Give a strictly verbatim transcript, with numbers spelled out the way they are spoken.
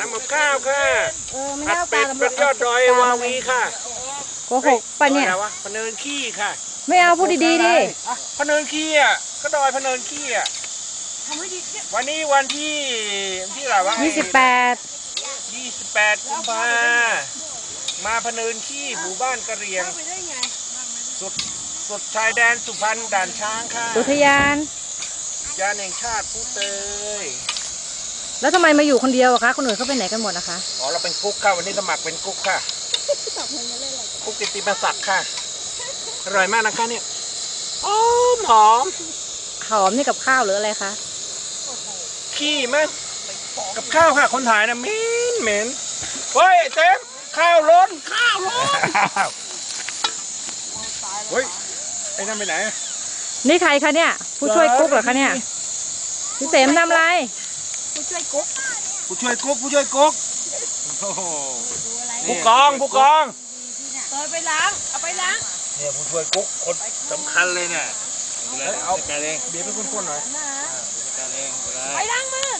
ำกับข้าวค่ะเออไม่ผัดได้เอาเป็ปดลาบนยอดดอยวาวีค่ะโกหกปะเนี่ยอะไรวะพะเนินขี้ค่ะไม่เอาพูดดีๆดิอ่ะพะเนินขี้อ่ะก็ดอยพะเนินขี้อ่ะวันนี้วันที่ที่อะไรวะยี่สิบแปดยี่สิบแปดกุมภามาพะเนินขี้หมู่บ้านกะเหรี่ยงสุดสุดชายแดนสุพรรณด่านช้างค่ะอุทยานยานแห่งชาติผู้เตยแล้วทำไมมาอยู่คนเดียวอะคะคนอื่นเขาไปไหนกันหมดนะคะอ๋อเราเป็นกุ๊กค่ะวันนี้สมัครเป็นกุ๊กค่ะกุ๊กกิตติมศักดิ์ค่ะอร่อยมากนะคะเนี่ยหอมหอมหอมนี่กับข้าวหรืออะไรคะขี้มั้ยกับข้าวค่ะคนถ่ายนะเหม็นเหม็นเฮ้ยไอ้เต็มข้าวล้นข้าวล้นเฮ้ยไอ้นั่นไปไหนนี่ใครคะเนี่ย ผู้ช่วยกุ๊กเหรอคะเนี่ยพี่เสมทำอะไรผู้ช่วยกุ๊กผู้ช่วยกุ๊กผู้ช่วยกุ๊กโอ้โหผู้กองผู้กองเออไปล้างเอาไปล้างเนี่ยผู้ช่วยกุ๊กคนสำคัญเลยเนี่ยเอาเบียร์ไปคนๆหน่อยไปล้างมือ